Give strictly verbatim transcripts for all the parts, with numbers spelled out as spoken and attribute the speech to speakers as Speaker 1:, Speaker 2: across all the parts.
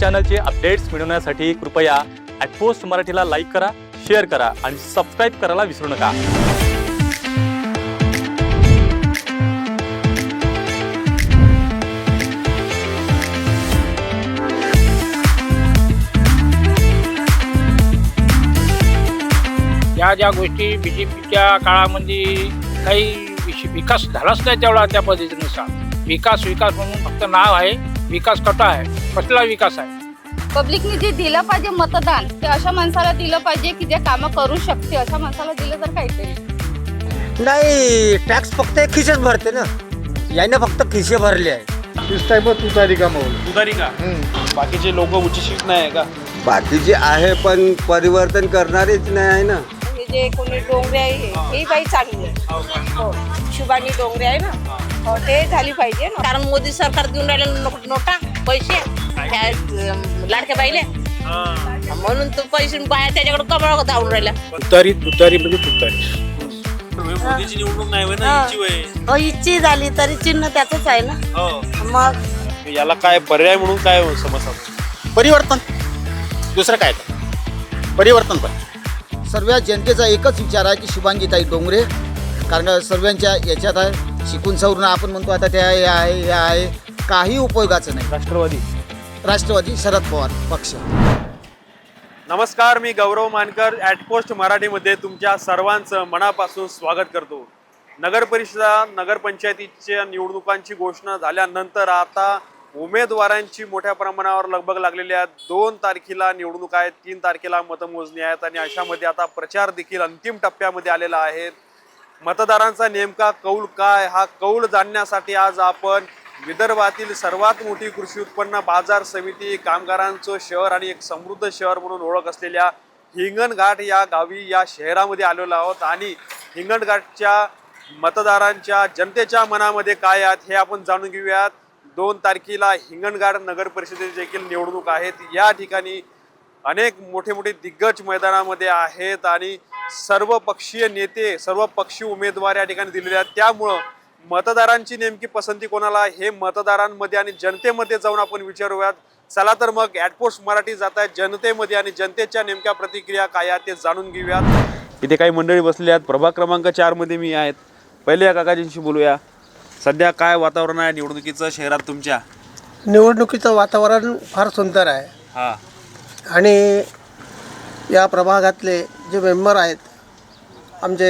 Speaker 1: चॅनलचे updates मिळवण्यासाठी कृपया at post मराठीला लाईक करा, शेअर करा आणि सबस्क्राईब करायला विसरू नका।
Speaker 2: या ज्या गोष्टी बीजेपीच्या काळामध्ये काही विकास झालाच नाही तेवढा त्या पद्धतीनुसार विकास विकास म्हणून फक्त नाव आहे, विकास कटा आहे, कसला विकास आहे।
Speaker 3: पब्लिकने जे दिलं पाहिजे मतदान ते अशा माणसाला दिलं पाहिजे की जे कामं करू शकते, अशा माणसाला दिलं तर काहीतरी
Speaker 4: नाही। टॅक्स फक्त खिशेच भरते ना, याने फक्त खिशे भरले आहे।
Speaker 5: इस टाइप तुतारी का माहोल
Speaker 6: तुतारी का बाकीचे लोक उच्चशिक्षित नाही आहे का?
Speaker 7: बाकीचे आहे पण परिवर्तन करणारेच नाही आहे ना।
Speaker 8: हे जे कोणी डोंगरे आहे हे बाई चांगली आहे, हो शुभानी डोंगरे आहे ना, हो ते झाली पाहिजे ना, कारण मोदी सरकार देऊन राहिले नोटा पैसे त्या लाडक्या बाईले, म्हणून तो पैसे बाया त्याच्याकडे कमळ धावून राहिल्या।
Speaker 2: तुतारी तुतारी म्हणजे तुतारी
Speaker 6: मोदीची निवडणूक नाही होय ना, इच्छी होय।
Speaker 8: हो इच्छी झाली तरी चिन्ह त्याचंच आहे ना।
Speaker 6: हो
Speaker 8: मग
Speaker 6: याला काय पर्याय म्हणून काय समस्या?
Speaker 5: परिवर्तन, दुसरं काय तर परिवर्तन पण सर्व जनतेचा एकच विचार आहे की शुभांगीताई डोंगरे, कारण सर्वांच्या याच्यात आहे शिकून सवरून आपण म्हणतो आता त्या हे आहे हे आहे काही उपयोगाचं नाही।
Speaker 6: राष्ट्रवादी
Speaker 5: राष्ट्रवादी शरद पवार पक्ष।
Speaker 6: नमस्कार, मी गौरव मानकर ॲट पोस्ट मराठीमध्ये तुमच्या सर्वांचं मनापासून स्वागत करतो। नगर परिषदा नगरपंचायतीच्या निवडणुकांची घोषणा झाल्यानंतर आता उमेदवारांची मोठ्या प्रमाणावर लगबग लागलेली आहे। दोन तारखेला निवडणूक आहेत, तीन तारखेला मतमोजणी आहेत आणि अशामध्ये आता प्रचार देखील अंतिम टप्प्यामध्ये आलेला आहे। मतदारांचा नेमका कौल काय, हा कौल जाणण्यासाठी आज आपण विदर्भातील सर्वात मोठी कृषी उत्पन्न बाजार समिती, कामगारांचं शहर आणि एक समृद्ध शहर म्हणून ओळख असलेल्या हिंगणघाट या गावी या शहरामध्ये आलेलो आहोत आणि हिंगणघाटच्या मतदारांच्या जनतेच्या मनामध्ये काय आहेत हे आपण जाणून घेऊयात। दोन तारखेला हिंगणघाट नगर परिषदेची देखील निवडणूक आहेत। या ठिकाणी अनेक मोठे मोठे दिग्गज मैदानामध्ये आहेत आणि सर्व पक्षीय नेते, सर्व पक्षीय उमेदवार या ठिकाणी दिलेले आहेत। त्यामुळं मतदारांची नेमकी पसंती कोणाला हे मतदारांमध्ये आणि जनतेमध्ये जाऊन आपण विचारूयात। चला तर मग ॲट पोस्ट मराठी जात आहे जनतेमध्ये आणि जनतेच्या नेमक्या प्रतिक्रिया काय आहेत ते जाणून घेऊयात। इथे काही मंडळी बसलेली आहेत, प्रभाग क्रमांक चार मध्ये मी आहेत। पहिले या काकाजींशी बोलूया, सध्या काय वातावरण आहे निवडणुकीचं शहरात तुमच्या?
Speaker 4: निवडणुकीचं वातावरण फार सुंदर आहे
Speaker 6: हां
Speaker 4: आणि या प्रभागातले जे मेंबर आहेत आमचे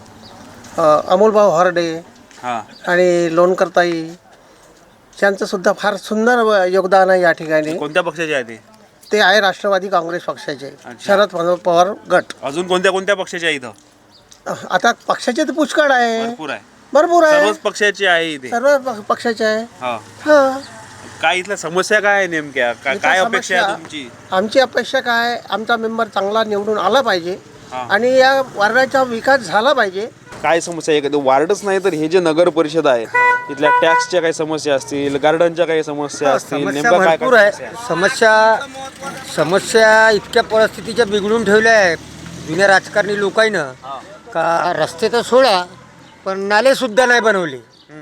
Speaker 4: अमोलभाऊ हरडे
Speaker 6: हां
Speaker 4: आणि लोणकरताई यांचंसुद्धा फार सुंदर योगदान आहे या ठिकाणी।
Speaker 6: कोणत्या पक्षाचे आहे ते?
Speaker 4: ते आहे राष्ट्रवादी काँग्रेस पक्षाचे शरद पवार गट।
Speaker 6: अजून कोणत्या कोणत्या पक्षाचे आहे इथं?
Speaker 4: आता पक्षाचे तर पुष्कळ आहे,
Speaker 6: भरपूर आहे,
Speaker 4: भरपूर आहे,
Speaker 6: सर्वच पक्षाचे आहे इथे।
Speaker 4: सर्व प- पक्षाचे आहे।
Speaker 6: हा
Speaker 4: हां,
Speaker 6: काय इथल्या समस्या काय आहे नेमक्या? का-
Speaker 4: इथं
Speaker 6: काय अपेक्षा आहे
Speaker 4: समस्या-
Speaker 6: तुमची?
Speaker 4: आमची अपेक्षा काय, आमचा मेंबर चांगला निवडून आला पाहिजे
Speaker 6: हां.
Speaker 4: आणि या वार्डाचा विकास झाला पाहिजे।
Speaker 6: काय समस्या आहे? एखादं वार्डच नाही तर हे जे नगर परिषद आहे इथल्या टॅक्सच्या काही समस्या असतील, गार्डनच्या काही समस्या असतील,
Speaker 4: समस्या
Speaker 6: नेमका काय
Speaker 4: भरपूर
Speaker 6: काय
Speaker 4: आहे।
Speaker 6: समस्या आहे?
Speaker 4: समस्या समस्या इतक्या परिस्थितीच्या बिघडून ठेवल्या आहेत जुन्या राजकारणी लोकांनं का रस्ते तर सोडा पण नाले सुद्धा नाही बनवले।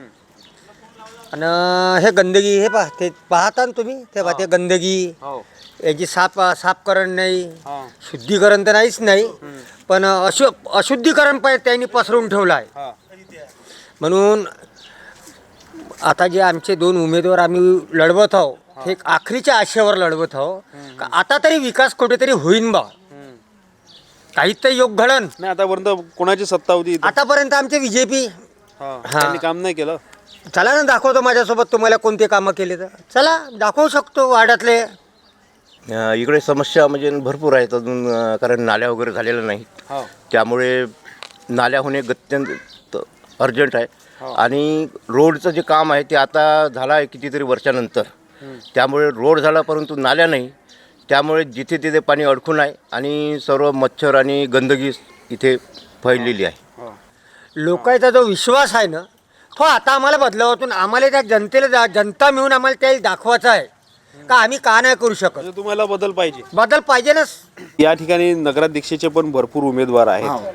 Speaker 4: आणि हे गंदगी, हे पहा, ते पाहता ना तुम्ही, ते पहा ते गंदगी,
Speaker 6: हो
Speaker 4: याची साफ साफकरण नाही,
Speaker 6: हा.
Speaker 4: शुद्धीकरण तर नाहीच नाही, पण अशु अशुद्धीकरण पण त्यांनी पसरवून ठेवलं आहे।
Speaker 6: हा.
Speaker 4: म्हणून आता जे आमचे दोन उमेदवार आम्ही लढवत आहोत, हे एक आखरीच्या आशेवर लढवत आहोत का आता तरी विकास कुठेतरी होईन बा, काहीच तर योग घडन।
Speaker 6: नाही आतापर्यंत कोणाची सत्ता होती इथं?
Speaker 4: आतापर्यंत आमचे बी जे पी।
Speaker 6: हा. त्यांनी काम नाही केलं?
Speaker 4: चला ना, दाखवतो माझ्यासोबत तुम्हाला कोणते कामं केले तर, चला दाखवू शकतो वाड्यातले।
Speaker 9: इकडे समस्या म्हणजे भरपूर आहेत अजून, अ, कारण नाल्या वगैरे झालेल्या नाहीत,
Speaker 6: हो.
Speaker 9: त्यामुळे नाल्या होणे अत्यंत अर्जंट आहे। आणि रोडचं जे काम आहे ते आता झालं आहे कितीतरी वर्षानंतर, त्यामुळे रोड झाला परंतु नाल्या नाही, त्यामुळे जिथे तिथे पाणी अडकून आहे आणि सर्व मच्छर आणि गंदगी इथे फैललेली आहे।
Speaker 4: लोकांचा जो विश्वास आहे ना तो आता आम्हाला बदलावातून आम्हाला त्या जनतेला, जनता मिळून आम्हाला त्याला दाखवायचं आहे का आम्ही का नाही करू शकत।
Speaker 6: म्हणजे तुम्हाला बदल पाहिजे?
Speaker 4: बदल पाहिजे ना।
Speaker 6: या ठिकाणी नगराध्यक्षाचे पण भरपूर उमेदवार आहेत,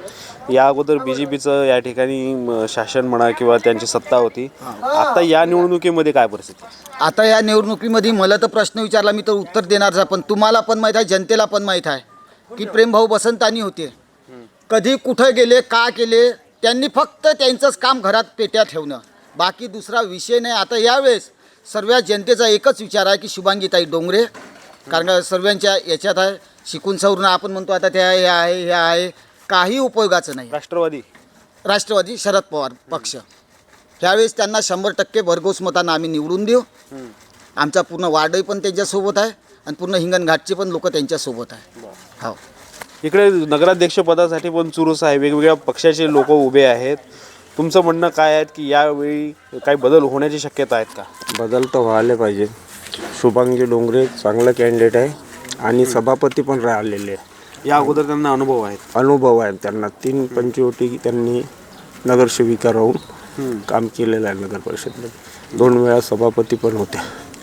Speaker 6: या अगोदर बी जे पीचं या ठिकाणी म, शासन म्हणा किंवा त्यांची सत्ता होती. आता या निवडणुकीमध्ये काय परिस्थिती?
Speaker 5: आता या निवडणुकीमध्ये मला तर प्रश्न विचारला मी तर उत्तर देणारच आहे, पण तुम्हाला पण माहीत आहे, जनतेला पण माहीत आहे की प्रेमभाऊ बसंतानी होते. कधी कुठं गेले, का केले, त्यांनी फक्त त्यांचंच काम घरात पेट्या ठेवणं, बाकी दुसरा विषय नाही. आता यावेळेस सर्व जनतेचा एकच विचार आहे की शुभांगीताई डोंगरे, कारण सर्वांच्या याच्यात आहे, शिकून सवरून आपण म्हणतो आता त्या हे आहे हे आहे, काही उपयोगाचं नाही.
Speaker 6: राष्ट्रवादी
Speaker 5: राष्ट्रवादी शरद पवार पक्ष त्यावेळेस त्यांना शंभर टक्के भरघोस मतांना आम्ही निवडून देऊ. आमचा पूर्ण वार्डही पण त्यांच्यासोबत आहे आणि पूर्ण हिंगणघाटचे पण लोक त्यांच्यासोबत आहे. हो,
Speaker 6: इकडे नगराध्यक्ष पदासाठी पण चुरूस आहे, वेगवेगळ्या पक्षाचे लोक उभे आहेत. तुमचं म्हणणं काय आहे की यावेळी काही बदल होण्याची शक्यता आहेत का?
Speaker 7: बदल तर व्हायला पाहिजे. शुभांगी डोंगरे चांगलं कॅन्डिडेट आहे आणि सभापती पण राहिलेले आहे.
Speaker 6: या अगोदर त्यांना अनुभव आहेत.
Speaker 7: अनुभव आहे त्यांना. तीन पंचवटी त्यांनी नगरसेविका राहून काम केलेलं आहे नगर परिषदेमध्ये. दोन वेळा सभापती पण होत्या.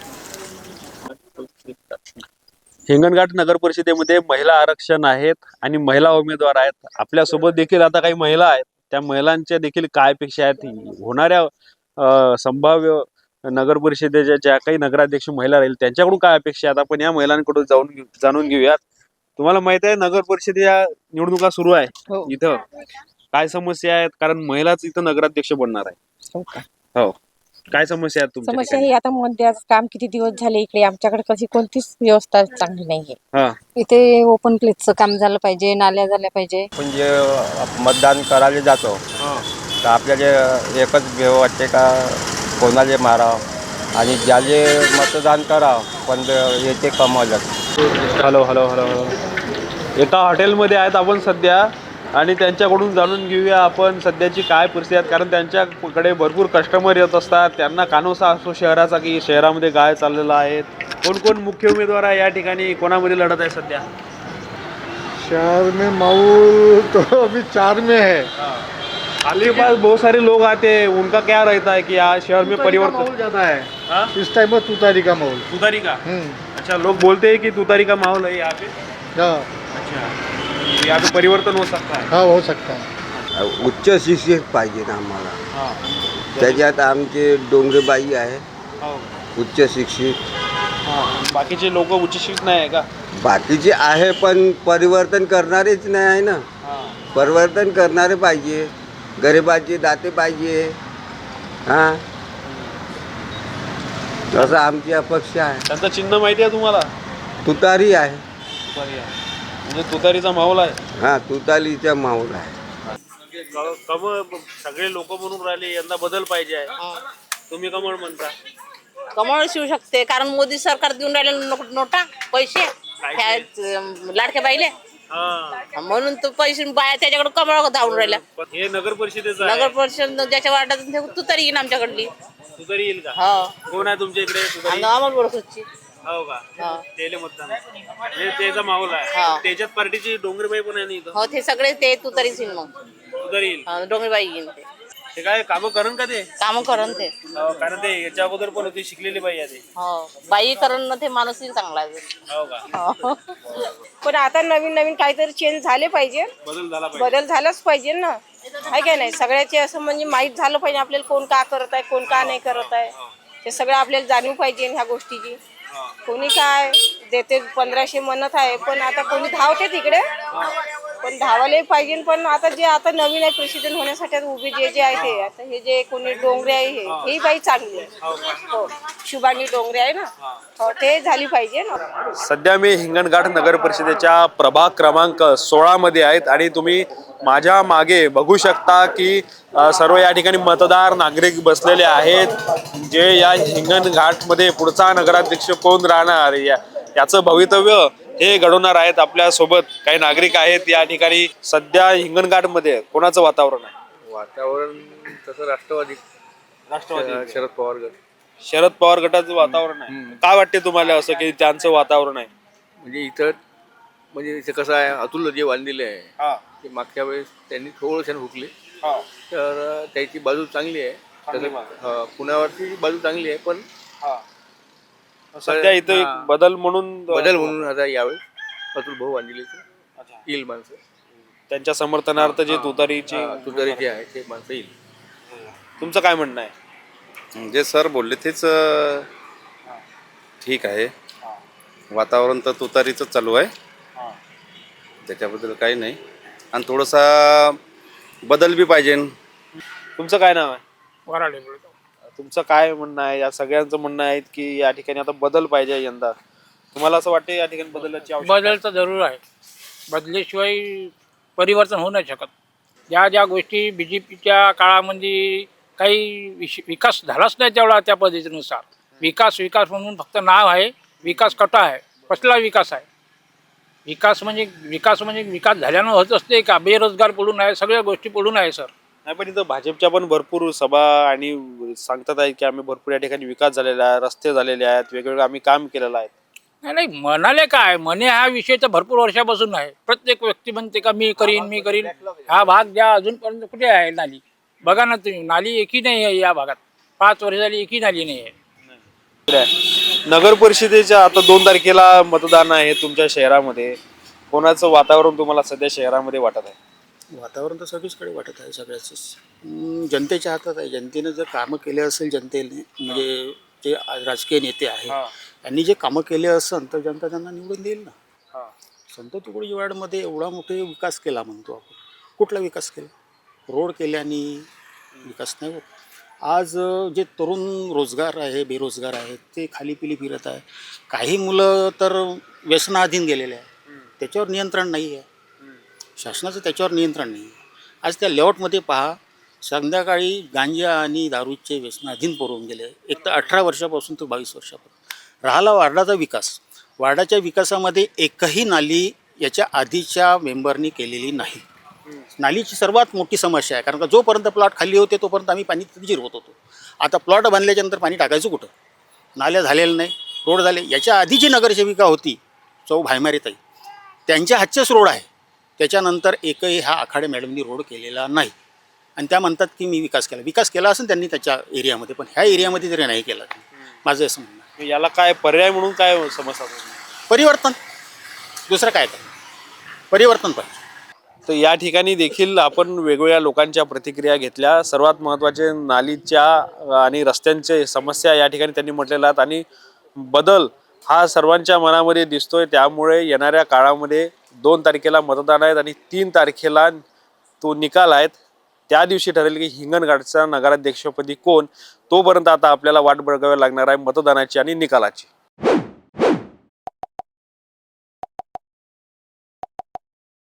Speaker 6: हिंगणघाट नगर परिषदेमध्ये महिला आरक्षण आहेत आणि महिला उमेदवार आहेत. आपल्यासोबत देखील आता काही महिला आहेत. त्या महिलांच्या देखील काय अपेक्षा आहेत, होणाऱ्या अ, संभाव्य नगर परिषदेच्या ज्या काही नगराध्यक्ष महिला राहील त्यांच्याकडून काय अपेक्षा आहेत, आपण या महिलांकडून जाऊन घेऊ जाणून घेऊयात. तुम्हाला माहित आहे नगर परिषदेच्या निवडणुका सुरू आहे इथं, काय समस्या आहेत, कारण महिलाच इथं नगराध्यक्ष बनणार आहे. हो, काय समस्या आहेत तुमच्या
Speaker 8: समस्या
Speaker 6: ठिकाणी?
Speaker 8: ही आता मध्याच काम किती दिवस झाले इकडे आमच्याकडे कशी कोणतीच व्यवस्था चांगली नाहीये.
Speaker 6: हा,
Speaker 3: इथे ओपन प्लेसचं काम झालं पाहिजे, नाल्या झाल्या पाहिजे.
Speaker 4: आपण जे मतदान करायला जातो तर आपल्याला एकच भेव वाटते का कोणाला मारावं आणि ज्याले मतदान करावं पण येते कमावलं.
Speaker 6: हॅलो हॅलो हॅलो हॅलो एका हॉटेलमध्ये आहेत आपण सध्या आणि त्यांच्याकडून जाणून घेऊया आपण सध्याची काय परिस्थिती आहे, कारण त्यांच्याकडे भरपूर कस्टमर येत असतात. त्यांना कानोसा असो शहराचा की शहरामध्ये काय चाललेला आहे, कोण कोण मुख्य उमेदवार आहे या ठिकाणी, कोणामध्ये लढत आहे सध्या?
Speaker 10: शहर में माहौल तो अभी चार में है.
Speaker 6: आपके पास बहुत सारे लोग आते हैं, उनका क्या रहता है कि आज शहर में परिवर्तन
Speaker 10: माहौल ज़्यादा है
Speaker 6: हाँ?
Speaker 10: इस टाइम में तुतारी का माहौल.
Speaker 6: तुतारी का?
Speaker 10: हम्म,
Speaker 6: अच्छा, लोग बोलते हैं कि तुतारी का माहौल है यहाँ पे.
Speaker 10: हाँ
Speaker 6: अच्छा, यहाँ पे परिवर्तन हो सकता है.
Speaker 10: हाँ हो सकता है.
Speaker 7: उच्च शिक्षित पाहिजे ना आम्हाला.
Speaker 6: हाँ.
Speaker 7: त्याच्यात आमचे डोंगरेबाई आहे
Speaker 6: हो.
Speaker 7: उच्च शिक्षित.
Speaker 6: हाँ. बाकीचे लोक उच्च शिक्षित नाही आहे का?
Speaker 7: बाकीचे आहे पण परिवर्तन करणारेच नाही आहे ना.
Speaker 6: हाँ.
Speaker 7: परिवर्तन करणारे पाहिजे, गरिबाचे दाते पाहिजे. हां, असं आमची अपेक्षा आहे.
Speaker 6: त्यांचं चिन्ह माहिती आहे तुम्हाला?
Speaker 7: तुतारी आहे.
Speaker 6: तुतारी आहे. म्हणजे तुतारीचा माहोल आहे.
Speaker 7: हां, तुतारीचा माहोल आहे.
Speaker 6: कमळ सगळे लोक म्हणून राहिले यंदा बदल पाहिजे आहे, तुम्ही कमळ म्हणता?
Speaker 8: कमळ शिवू शकते कारण मोदी सरकार देऊन राहिले नो- नोटा पैसे ह्या, अं, लाडक्या बाईले,
Speaker 6: हा.
Speaker 8: म्हणून तो पैसे बाया त्याच्याकडे कमळ धावून राहिल्या.
Speaker 6: पण हे नगर परिषदेचं आहे.
Speaker 8: नगर परिषद ज्याच्या वार्डात ते तुतारी येईन आमच्याकडली.
Speaker 6: तुतारी येईल का?
Speaker 8: हो,
Speaker 6: कोण आहे तुमच्या इकडे तुतारी?
Speaker 8: अमोल बोलखोची.
Speaker 6: हो का?
Speaker 8: हा.
Speaker 6: तेले मतदान हे त्याचा माहोल आहे.
Speaker 8: हा.
Speaker 6: त्याच्यात पार्टीची डोंगरबाई पण आहे ना इथं.
Speaker 8: हो, ते सगळे ते तुतारीच येईन. मग
Speaker 6: तुतारी येईल.
Speaker 8: हा, डोंगरबाई येईन. ते
Speaker 6: ते काय कामं करण का ते?
Speaker 8: काम करण ते.
Speaker 6: हो, कारण ते याच्या अगोदर पण होती, शिकलेली बाई आहे ते.
Speaker 8: हो, बाई करण ना ते माणूसही चांगला आहे.
Speaker 6: हो का?
Speaker 8: हो.
Speaker 11: पण आता नवीन नवीन काहीतरी चेंज झाले पाहिजे,
Speaker 6: बदल झाला पाहिजे.
Speaker 11: बदल झालाच पाहिजे ना, आहे काय नाही. सगळ्याचे असं म्हणजे माहीत झालं पाहिजे आपल्याला कोण का करत आहे, कोण का नाही करत आहे, हे सगळं आपल्याला जाणीव पाहिजे ह्या गोष्टीची. कोणी काय देते पंधराशे म्हणत आहे, पण आता कोणी धावते तिकडे, पण धावायला पाहिजे. पण आता जे आता नवीन आहे प्रेसिडेंट होण्यासाठी आता उभे जे जे आहे ते आता हे जे कोणी डोंगरे आहे हे ही बाई चांगली आहे. हो, शुभांगी डोंगरे आहे ना, हो, ते झाली पाहिजे ना.
Speaker 6: सध्या मी हिंगणघाट नगर परिषदेच्या प्रभाग क्रमांक सोळा मध्ये आहेत आणि तुम्ही माझ्या मागे बघू शकता की अ, सर्व या ठिकाणी मतदार नागरिक बसलेले आहेत, जे या हिंगणघाटमध्ये पुढचा नगराध्यक्ष कोण राहणार या याचं भवितव्य हे घडवणार आहेत. आपल्या सोबत काही नागरिक आहेत या ठिकाणी. सध्या हिंगणघाटमध्ये कोणाचं वातावरण आहे?
Speaker 12: वातावरण तसं राष्ट्रवादी
Speaker 6: राष्ट्रवादी
Speaker 12: शरद पवार गट.
Speaker 6: शरद पवार गटाचं वातावरण आहे. काय वाटते तुम्हाला असं की त्यांचं वातावरण आहे?
Speaker 12: म्हणजे इथं म्हणजे इथे कसं आहे, अतुल जे बांधलेले आहे
Speaker 6: हा,
Speaker 12: ते मागच्या वेळेस त्यांनी थोडंसं हुकले,
Speaker 6: हा,
Speaker 12: तर त्याची बाजू चांगली आहे.
Speaker 6: चांगली
Speaker 12: तसं
Speaker 6: बाजू.
Speaker 12: हा, पुण्यावरची बाजू चांगली आहे, पण
Speaker 6: हा. सध्या इथं एक बदल म्हणून
Speaker 12: बदल म्हणून आता यावेळेस अतुल भाऊ बांधलेले
Speaker 6: अच्छा.
Speaker 12: येईल माणसं.
Speaker 6: त्यांच्या समर्थनार्थ जे तुतारीची
Speaker 12: तुतारी जे आहे ते माणसं येईल.
Speaker 6: तुमचं काय म्हणणं आहे?
Speaker 13: जे सर बोलले तेच अ, ठीक आहे. वातावरण तर तुतारीचं चालू आहे, त्याच्याबद्दल काही नाही. आणि थोडासा बदल बी पाहिजे.
Speaker 6: तुमचं काय नाव आहे?
Speaker 2: वराडे बोलतो.
Speaker 6: तुमचं काय म्हणणं आहे? या सगळ्यांचं म्हणणं आहे की या ठिकाणी आता बदल पाहिजे यंदा. तुम्हाला असं वाटतं या ठिकाणी बदलाची आवश्यकता आहे?
Speaker 2: बदल तर जरूर आहे. बदल्याशिवाय परिवर्तन होऊ नाही शकत. ज्या ज्या गोष्टी बी जे पीच्या काळामध्ये काही विश विकास झालाच नाही तेवढा त्या पद्धतीनुसार. विकास विकास म्हणून फक्त नाव आहे, विकास कटा आहे. कसला विकास आहे? विकास म्हणजे विकास म्हणजे विकास झाल्यानं होत असते का? बेरोजगार पडून आहे, सगळ्या गोष्टी पडून आहे सर.
Speaker 6: नाही, पण इथं भाजपच्या पण भरपूर सभा आणि सांगतात आहेत की आम्ही भरपूर या ठिकाणी विकास झालेला आहे, रस्ते झालेले आहेत, वेगवेगळं आम्ही काम केलेलं आहे.
Speaker 2: नाही नाही म्हणाले काय म्हणे हा विषय तर भरपूर वर्षापासून आहे. प्रत्येक व्यक्ती म्हणते का मी करीन मी करीन. हा भाग ज्या अजूनपर्यंत कुठे आहे नाली? बघा ना तुम्ही, नाली एकही नाही आहे या भागात. पाच वर्ष झाली एकही नाली नाही आहे.
Speaker 6: नगर परिषदेच्या आता दोन तारखेला मतदान आहे तुमच्या शहरामध्ये. कोणाचं वातावरण तुम्हाला सध्या शहरामध्ये वाटत आहे?
Speaker 5: वातावरण तर सगळीचकडे वाटत आहे सगळ्याच. जनतेच्या हातात आहे. जनतेने जर कामं केले असेल, जनतेने म्हणजे जे राजकीय नेते आहे यांनी जे कामं केले असेल तर जनता त्यांना निवडून देईल ना. संत तुकडोजी वार्डमध्ये एवढा मोठे विकास केला म्हणतो आपण. कुठला विकास केला? रोड केल्याने विकास नाही होत. आज जे तरुण रोजगार आहे, बेरोजगार आहेत, ते खाली पिली फिरत आहे. काही मुलं तर व्यसनाधीन गेलेले आहे, त्याच्यावर नियंत्रण नाही आहे. शासनाचं त्याच्यावर नियंत्रण नाही आहे. आज त्या लेआउटमध्ये पहा, संध्याकाळी गांजा आणि दारूचे व्यसनाधीन पडून गेले. एक तर अठरा वर्षापासून ते बावीस वर्षापासून. राहिला वार्डाचा विकास. वार्डाच्या विकासामध्ये एकही नाली याच्या आधीच्या मेंबरनी केलेली नाही. नालीची सर्वात मोठी समस्या आहे, कारण का जोपर्यंत प्लॉट खाली होते तोपर्यंत आम्ही पाणी जिरवत होतो. आता प्लॉट बांधल्याच्यानंतर पाणी टाकायचं कुठं? नाल्या झालेलं नाही, रोड झाले. याच्या आधीची नगरसेविका होती चौ भायमारीताई, त्यांच्या हातचेच रोड आहे. त्याच्यानंतर एकही हा आखाडे मॅडमनी रोड केलेला नाही. आणि त्या म्हणतात की मी विकास केला. विकास केला असेल त्यांनी त्याच्या एरियामध्ये, पण ह्या एरियामध्ये तरी नाही केला. माझं असं म्हणणं आहे.
Speaker 6: याला काय पर्याय म्हणून काय समस्या?
Speaker 5: परिवर्तन, दुसरं काय तर परिवर्तन पाहिजे.
Speaker 6: तर या ठिकाणी देखील आपण वेगवेगळ्या लोकांच्या प्रतिक्रिया घेतल्या. सर्वात महत्त्वाचे नालीच्या आणि रस्त्यांचे समस्या या ठिकाणी त्यांनी म्हटलेल्या आहेत. आणि बदल हा सर्वांच्या मनामध्ये दिसतोय. त्यामुळे येणाऱ्या काळामध्ये दोन तारखेला मतदान आहेत आणि तीन तारखेला तो निकाल आहेत. त्या दिवशी ठरेल की हिंगणघाटचा नगराध्यक्षपदी कोण. तोपर्यंत आता आपल्याला वाट बघावी लागणार आहे मतदानाची आणि निकालाची.